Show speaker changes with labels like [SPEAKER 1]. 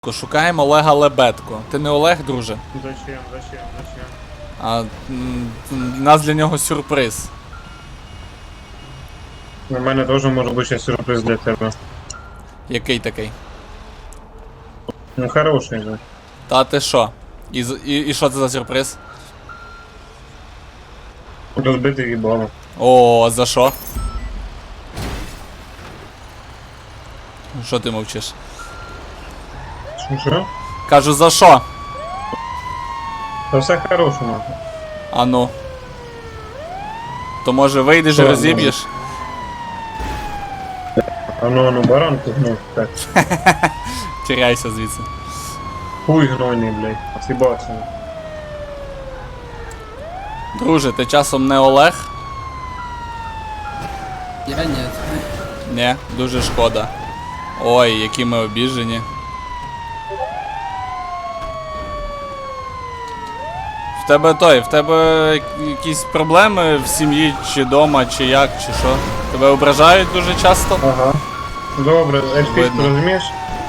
[SPEAKER 1] Шукаємо Олега Лебедко. Ти не Олег, друже?
[SPEAKER 2] Зачем?
[SPEAKER 1] А у нас для нього сюрприз.
[SPEAKER 2] У мене теж може бути ще сюрприз для тебе.
[SPEAKER 1] Який такий?
[SPEAKER 2] Ну хороший же.
[SPEAKER 1] Та ти що? І що це за сюрприз?
[SPEAKER 2] Розбитий їбало.
[SPEAKER 1] О, за що? Що ти мовчиш?
[SPEAKER 2] Що?
[SPEAKER 1] Кажу, за що?
[SPEAKER 2] Та все хорошому.
[SPEAKER 1] А ну. То може вийдеш і
[SPEAKER 2] Що,
[SPEAKER 1] розіб'єш?
[SPEAKER 2] А ну, баранку гнув, так.
[SPEAKER 1] Тіряйся звідси.
[SPEAKER 2] Хуй гнойний, блядь. Сібався.
[SPEAKER 1] Друже, ти часом не Олег?
[SPEAKER 3] Я нет.
[SPEAKER 1] Ні, дуже шкода. Ой, які ми обіжені. В тебе якісь проблеми в сім'ї, чи дома, чи як, чи що? Тебе ображають дуже часто?
[SPEAKER 2] Ага. Добре, ельфійську
[SPEAKER 1] Видно.
[SPEAKER 2] розумієш?